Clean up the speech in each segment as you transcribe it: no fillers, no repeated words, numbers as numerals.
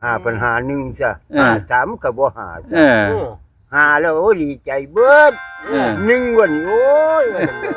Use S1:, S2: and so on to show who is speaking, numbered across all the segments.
S1: ปัญหาหนึ่งซะสามกับบ่หา หาแล้วโอ้ดีใจเบิดหนึ่งวันโอ้ย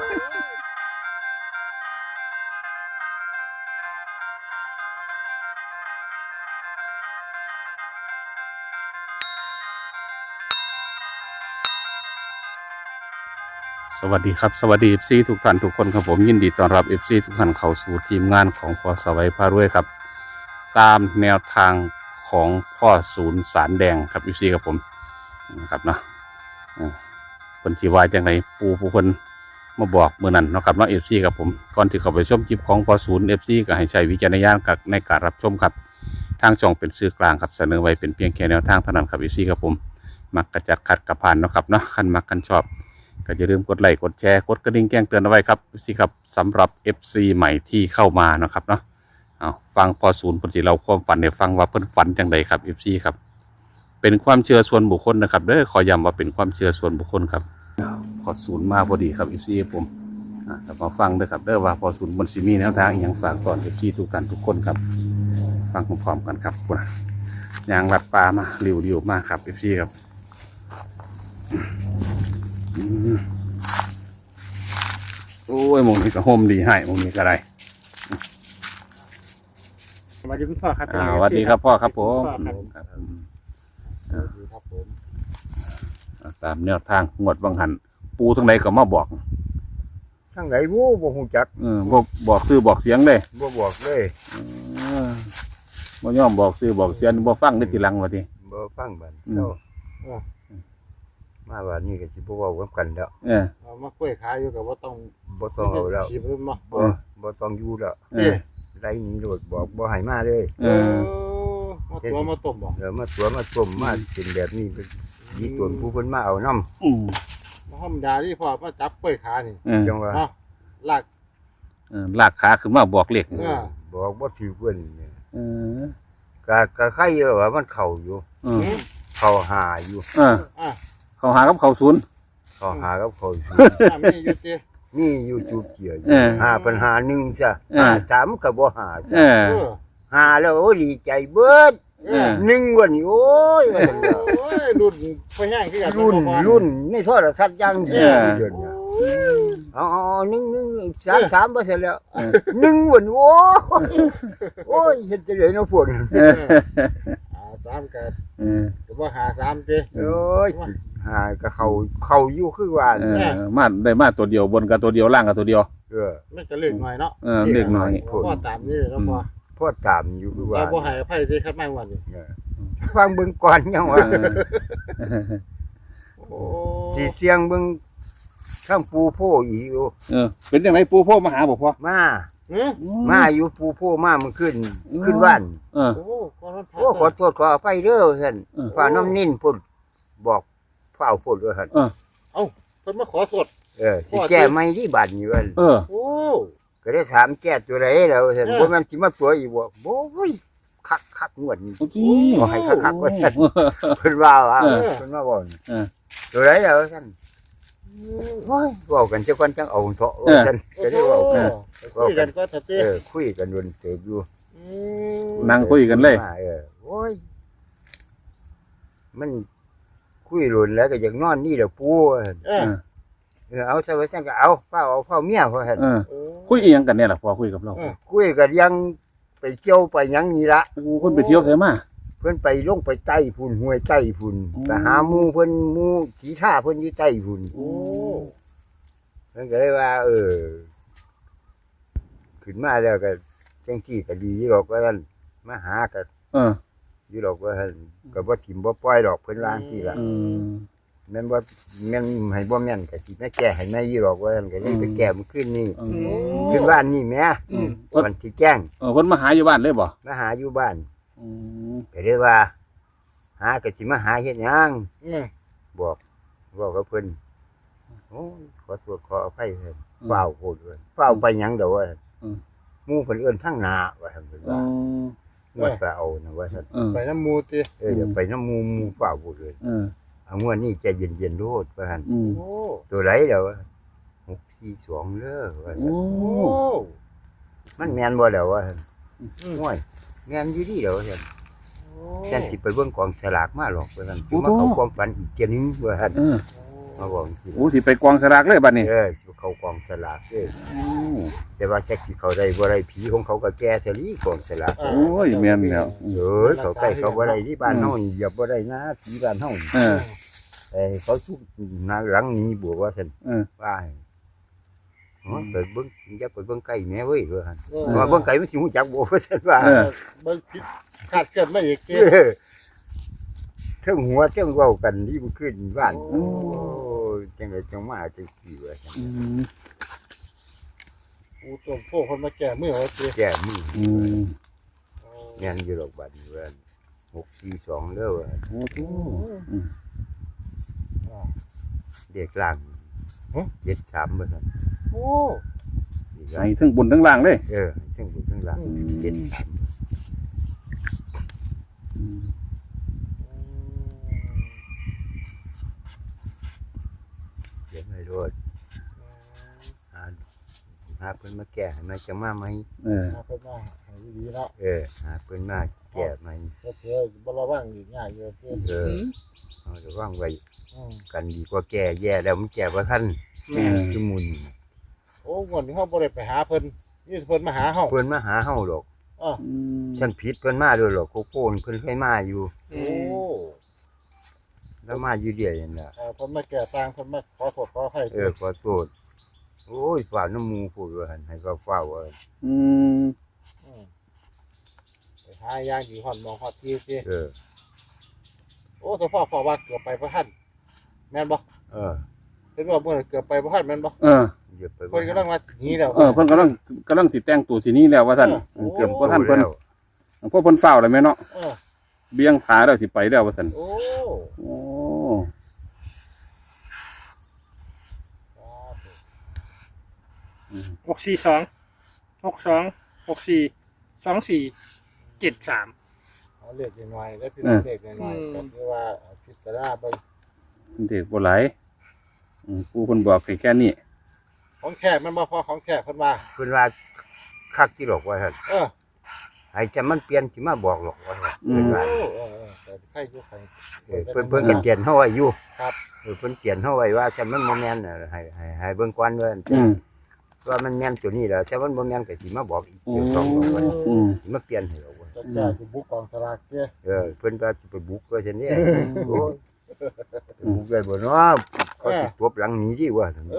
S2: สวัสดีครับสวัสดี FC ทุกท่านทุกคนครับผมยินดีต้อนรับ FC ทุกท่านเข้าสู่ทีมงานของพ่อสวัยพารวยครับตามแนวทางของพ่อศูนย์สารแดงครับ FC ครับผมนะครับเนาะคนที่ว่าจังไรปูผู้คนมาบอกเมื่อนั้นเนาะครับเนาะ FC ครับผมก่อนที่เข้าไปชมคลิปของพ่อศูนย์ FC ก็ให้ใช้วิจารณญาณในการรับชมครับทางช่องเป็นสื่อกลางครับเสนอไว้เป็นเพียงแค่แนวทางเท่านั้นครับ FC ครับผมมักกระจัดขัดกระพานเนาะครับเนาะคันมักกันชอบก็อย่าลืมกดไลค์กดแชร์กดกระดิ่งแจ้งเตือนเอาไว้ครับสิครับสำหรับ FC ใหม่ที่เข้ามานะครับเนาะเอาฟังพอศูนย์ปฏิเราความฝันเนี่ยฟังว่าเพิ่นฝันจังใดครับ FC ครับเป็นความเชื่อส่วนบุคคลนะครับเด้อขอย้ำว่าเป็นความเชื่อส่วนบุคคลครับพอศูนย์มาพอดีครับ FC ผมแล้วมาฟังด้วยครับเด้อว่าพอศูนย์บนซีมีแนวทางอย่างฝากตอน FC ทุกท่านทุกคนครับฟังพร้อมๆกันครับคุณยางรัดปลามาเร็วๆมากครับ FC ครับโอ้ยมงนี้ก็ห่มดีให้มงนี้ก็ได้
S3: สวัสดีคุณพ่อครับ
S2: สวัสดีครับพ่อครับผมตามแนวทางงวดบังหันปูทั้งไหนก็มาบอก
S1: ทั้งไหนวู้บ่ฮู้จัก
S2: บอกซื้อบอกเสียงเลย
S1: บ่บอกเลย
S2: บ่ยอมบอกซื้อบอกเสียงบ่ฟังได้ทีหลังว่าติ
S1: บ่ฟังบัดเจ้ามาวันนี้ก็สิบ่เว้ากันแล้ว
S3: เอามาคุยขายอยู่กับบ่ต้อง
S1: เอาแล้วบ่ต้องอยู่แล้วไรนี้โดดบอกบ่ให้มาเลย
S3: มาตัวมาต้มบ่
S1: มาตัวมาต้มมาเป็นแบบนี้เป็นดีตวนผู้เพิ่นมาเอาน้
S3: ำมาธรรมดาที่พ่อมาจับคุยขานี่
S1: จังว่า
S2: ลากขาขึ้นมาบอกเลข
S1: บอกบ่ถือเพิ่นก็ใครว่ามันเข้าอยู่เข้าหาอยู่
S2: เขาหากับเขาศูนย์
S1: เขาหากับเขา
S3: มีอยู่ติ
S1: นี่อยู่จุดเกี่ยวปัญหาหนึ่งซะสามกับบ่หาหาแล้วโอ้ดีใจเบิดหนึ่งวันโอ้ย
S3: รุ่นไปแห้งคือกัน
S1: รุ่นในโทรศัพท์ยังเดือนอ๋อหนึ่งสามเปอร์เซ็นต์แล้วหนึ่งวันโอ้ยเห็นจะเลยน้องพวก
S3: สามกับว่าหาสามติ
S1: โอ้ยหากับเขาอยู่คือว่า
S2: มาได้มาตัวเดียวบนกับตัวเดียวล่างกับตัวเดียว
S3: มันจะเล็กหน่อยเนาะ
S2: เล็กหน่อย
S3: พ่อตามนี่แล้ว
S1: พ่อตามอยู่คือว่า
S3: พ่อหายไพ่ที่ครับแม่วันนี้
S1: ฟังเบิ่งก่อนยังว่าสีเสียงเบิ่งข้างปูโพอีก
S2: เป็นยังไงปูโพมาหาบอกพ่อ
S1: มาอยู่ปูโพมามันขึ้นบ้านขอโทษขออภัยเด้อท่านฝ่าน้ำนิ่นพุ่นบอกฝ่าพุ่นด้วยท่าน
S3: เพิ่นมาขอโทษ
S1: สิแก้ไม่ที่บ้านอยู่ท่านก็ได้ถามแก้ตัวไหนแล้วท่านบ่แม่นสิมาตัวอีกบ่โอ้ยคักงวดนี้บ่ให้คักว่าท่านเพิ่นว่าเพิ่นมาบ่ตัวไหนแล้วท่านโอ้ยเว้ากันจักวันจังเอาเถาะท่านก็ได้เว้ากัน
S3: คุยกันก็ทัด
S1: คุยกันวนเติบอยู่
S2: นั่งคุยกันเลย
S1: โอ้ยมันคุยหลุนแล้วก็อยากนอนนี่แหละปูเอาซะว่าซั่นก็เอาเฝ้าเมียเขาหั่น
S2: คุยอีหยังกันเนี่ยล่ะพอคุยกับเรา
S1: คุยกันยังไปเที่ยวไปหยังนี่ละ
S2: เพิ่นไปเที่ยวไสมา
S1: เพิ่นไปลงไปใต้พุ่นห้วยใต้พุ่นไปหาหมู่เพิ่นหมู่สีท่าเพิ่นอยู่ใต้พุ่นเพิ่นก็เลยว่าขึ้นมาแล้วก็จังซี่ก็ดีอยู่ดอกว่าซั่นมาหาก็อยู่ดอกว่าซั่นก็บ่ถิ่มบ่ปล่อยดอกเพิ่นว่าจังซี่ล่ะแม่นบ่แม่นให้บ่แม่นก็สิมาแก้ให้แม่อยู่ดอกว่าซั่นก็เลยไปแก้มันขึ้นนี่ขึ้นบ้านนี่แม่วันที่แจ้ง
S2: เพิ่นมาหาอยู่บ้านเลยบ่
S1: มาหาอยู่บ้านก็เลยว่าหาก็สิมาหาเฮ็ดหยังบอกกับเพิ่นโอ้ขอโทษขออภัยเพิ่นเฝ้าโพดเพิ่นเฝ้าไปหยังดอกว่าหมู่เพิ่นเอิ้นทางหน้าว่าซั่นเพิ่นว่าว่าไปเอานะว่าซั่น
S3: ไปน้ำมูติ
S1: เดี๋ยวไปน้ำหมู่เฝ้าโพดเลยเอางวดนี้ใจเย็นๆโลดว่าซั่นตัวไหนเด้อ642เด้อว่าซั่นมันแม่นบ่แล้วว่าซั่นโอ้ยแม่นอยู่ดีเด้อว่าซั่นฉันสิไปเบิ่งกองสลากมาหรอกว่าซั่นสิมาเข้าความฝันอีกเที่ยนึงว่าซั่นมาบอกสิ
S2: โอ้สิไปกองสลากเลยบัดนี้
S1: สิเข้ากองสลากเด้อแต่ว่าจักสิเข้าได้บ่ได้ผีของเขาก็แก่ซะลีกองสลาก
S2: โอ้ยแม่นแล้ว
S1: เขาใกล้เขาบ่ได้ที่บ้านเฮานี่เหยียบบ่ได้นะผีบ้านเฮานี่ เขาทุกนาหลังนี้บวกว่าซั่นว่าไปเบิ่งอย่าไปเบิ่งไก่แม่เว้ยว่าซั่นว่าเบิ่งไก่มันสิฮู้จักบ่ว่าซั่นว่า
S3: เบิ่งผิดคาดเกิดไม่อีกเจ้
S1: เทิงหัวเทิงเว้ากันนี่มันขึ้นบ้านโอ้จังได๋จังมาจังซี่ว่าซั่น
S3: ปูต้มโพกคนมาแก่มือว่าเจ้
S1: แก่มือแม่นอยู่ดอกบัดนี้ว่า642เด้อว่า
S2: โอ้โห
S1: เด็กล่าง73ว่าซั่น
S3: โอ้
S2: ใส่ทั้งบนทั้งล่างเลย
S1: เทิงบนเทิงล่าง73เดี๋ยวไม่รอดหาเพิ่นมาแก้ให้มันจะมาไหม
S3: มาเพิ่นมาให้ดีเนาะ
S1: หาเพิ่นมาแก้ไหม
S3: ก็เจ้บ่ระวังอีกง่ายอยู่เจ้
S1: เอาระวังไว้กันดีกว่าแก้แย่แล้วมันแก้บ่ทันคือมุน
S3: โอ้วันนี้เฮาบ่ได้ไปหาเพิ่นนี่เพิ่นมาหาเฮา
S1: เพิ่นมาหาเฮาดอก
S3: อ้อ
S1: ฉันผิดเพิ่นมาด้วยหรอกโกโก้เพิ่นเคยมาอยู่
S3: โอ้
S1: แล้วมาอยู่เดียวนั่นน่ะ
S3: เพิ่นมาแก่ต่างเพิ่นมาขอโทษขออภัย
S1: ขอโทษโอ้ยฝ่าน้ำมูพูดว่าหั่นให้ก็เฝ้าว่า
S3: ไปหาย่างอยู่ฮอดมองฮอดที่เจ้
S1: อ
S3: โอ้ถ้าพ่อว่าเกือบไปบ่ทันแม่นบ่ เห็นว่าเมื่อเกือบไปบ่ทันแม่นบ่
S1: อย่าไป
S3: เพิ่นกำลังมาหนีแล้ว
S2: เพิ่นกำลังสิแต่งตัวสินี้แล้วว่าท่านเกือบว่าท่านเพิ่นพวกเพิ่นเฝ้าเลยไหมเนาะเบี้ยงผาแล้วสิไปแล้วว่าท่าน
S3: โอ้
S2: โอ้
S4: 642
S3: เอาเล็กหน่อยแล้วพี่เล็กหน่อยก็คือว่าพิจารณาเบิ่ง
S2: เด็กบ่หลายปู่เพิ่นบอกแค่นี้
S3: ของแค่มันบ่พอของแค่เพิ่นว่า
S1: เพิ่นว่าคักที่หรอกว่าซั่นให้จะมันเปลี่ยนสิมาบอกหรอกว่าซั่นเพิ่นว่า
S3: แต่ใครอยู่ใคร
S1: เพิ่นก็เขียนเฮาไว้อยู่
S3: ครับ
S1: เพิ่นเขียนเฮาไว้ว่าฉันมันบ่แม่นให้เบิ่งก่อนว่าว่ามันแม่นตัวนี้แล้วแต่มันบ่แม่นก็สิมาบอกอีกเดี๋ยวสองบอกว่าสิมาเปลี่ยนให้เราว่า
S3: จะจ่ายสิบุกกองสลากเจ้
S1: เพิ่นว่าสิไปบุกว่าซั่นนี่โอ้ยบุกได้บ่เนาะเขาสิตบหลังหนีดีว่าซั่น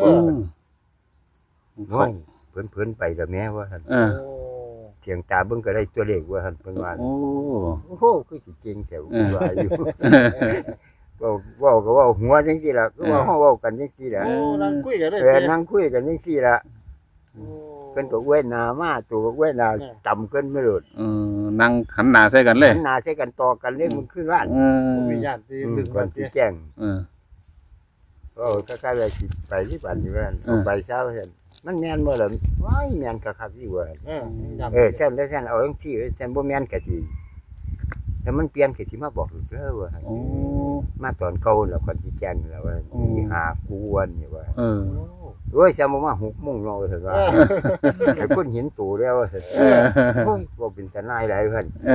S1: น้อยเพิ่นไปแล้วแม่ว่าซั่น
S3: โอ้
S1: เสียงตาเบิ่งก็ได้ตัวเลขว่าซั่นเพิ่นว่า
S2: โอ้
S1: โอ้โหคือสิเก่งแถวว่าอยู่เว้าก็เว้าหัวจังซี่ล่ะคือว่าเฮาเว้ากันจังซี่ล่ะ
S3: โอ้นั่งคุยกันได้
S1: นั่งคุยกันจังซี่ล่ะเพิ่นก็เว้นหน้ามาตัวก็เว้นหน้าต่ำเกินไม่โดด
S2: นั่งหันหน้าใส่กันเลย
S1: หันหน้าใส่กันต่อกันเลยมันขึ้นบ้าน
S3: มีญาติที่ดึง
S1: ก่
S3: กั
S1: อน
S3: น
S1: สิ
S3: เจ้
S1: แจ้ง
S2: เออ
S1: ก็ใกล้ๆสิไปที่บ้านอยู่นั่นเอาไปเช้าซั่นมันแม่นบ่ล่ะว้ายแม่นคักๆอยู่ว่าแซ่นแล้วแซ่นเอาจังซี่แซ่นบ่แม่นก็สิแต่มันเปลี่ยนก็สิมาบอกอีกเด้อว่า
S2: โอ้
S1: มาตอนเก่าแล้วก่อนสิแจ้งแล้วว่ามีหากูวันนี่ว่า
S3: โอ้
S1: โอ้ยแซ่บ่มา6:00 นเนาะว่าซั่นว่าไอ้คนเห็นตัวแล้วว่าซั่นโอ้ยบ่เป็นทนายหลายเพิ่น
S3: โอ้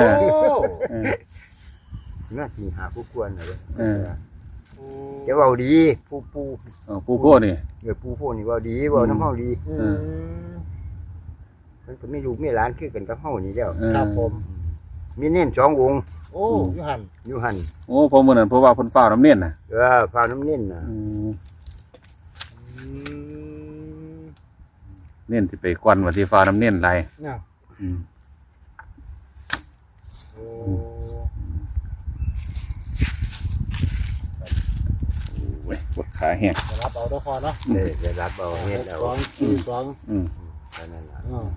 S1: น่าสิหาผู้ควรน่ะเด้อจะเว้าดีผู้
S2: ปู่โพนี่
S1: ผู้พวกนี้เว้าดีเว้านำเฮาดี
S3: อืม
S1: มันก็มีลูกมีหลานคือกันกับเฮานี่แล้ว
S3: ครับผม
S1: มีเน้น2องค์
S3: โอ้ยูหัน
S1: อยู่หั่น
S2: โอ้พอมื้อนั้นเพราะว่าเพิ่นเฝ้าน้ำเนียนน่ะ
S1: ฟ้าน้ำเน้นน่ะ
S2: เนียนสิไปกวนว่าสิฟ้าน้ำเนียนหลาย
S3: เนี่ยโอ้
S2: โอ้ยปวดขาแฮง
S3: จะรับเอาด้วยพอเนาะ
S1: ได้รับเอาเฮ็ดเอา
S3: 2
S1: เท่านั้นล่ะ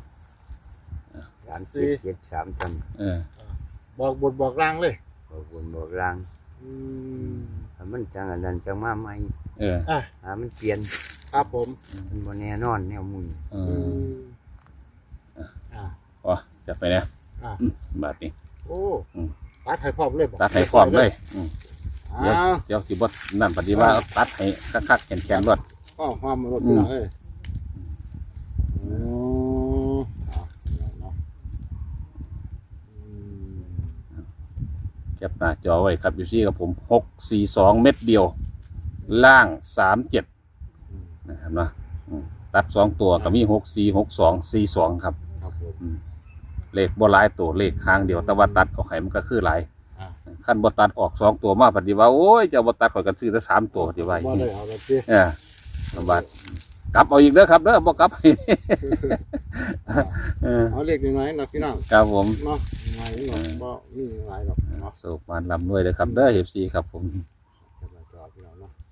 S3: 4
S1: หลาน773ซั่น
S3: บอกบทบอกล่างเลย
S1: บอกบนบอกลาง
S3: อืม
S1: ถ้ามันจังอันนั้นจังมาใหม่
S3: อ่ะ
S1: มันเปลี่ยน
S3: ครับผม
S1: มันบ่แน่นอนแนวมุน
S3: อ่า
S2: อ๋อจับไปนะ
S3: อ่า
S2: บาดนี้
S3: โอ้ตัดให้พร้อมเลย
S2: ตัดให้พร้อมเลย
S3: อ้าว
S2: เดี๋ยวสิบ่นั่นปฏิว่าตัดให้คักๆแข็งๆรวด
S3: ก็ความรถพี่น้องเอ้ยโอ้เนาะ
S2: แคจับหน้าจอไว้ครับอยู่ที่กับผม642เม็ดเดียวล่าง37นะครับนะตัด2ตัวก็มี646242ครับ
S3: ครับผม
S2: เลขบ่หลายตัวเลขค้างเดียวแต่ว่าตัดออกให้มันก็คือหลายขั้นบ่ตัดออก2ตัวมาปฏิว่าโอ้ยจะบ่ตัดข่อยกันซื้อแต่3ตัวดีว่า
S3: บ่ได้เอาแบบนี้
S2: ลำบากกลับเอาอีกเด้อครับเด้อบ่กลับให้
S3: เอาเล็กน้อยนะพี่น้อง
S2: ครับผม
S3: เนาะหลายหรอกบ่มีหลายหรอกเนาะ
S2: สุขมันลำด้วยเลยครับเด้อ FC ครับผม
S3: จอพี่น้องเนาะ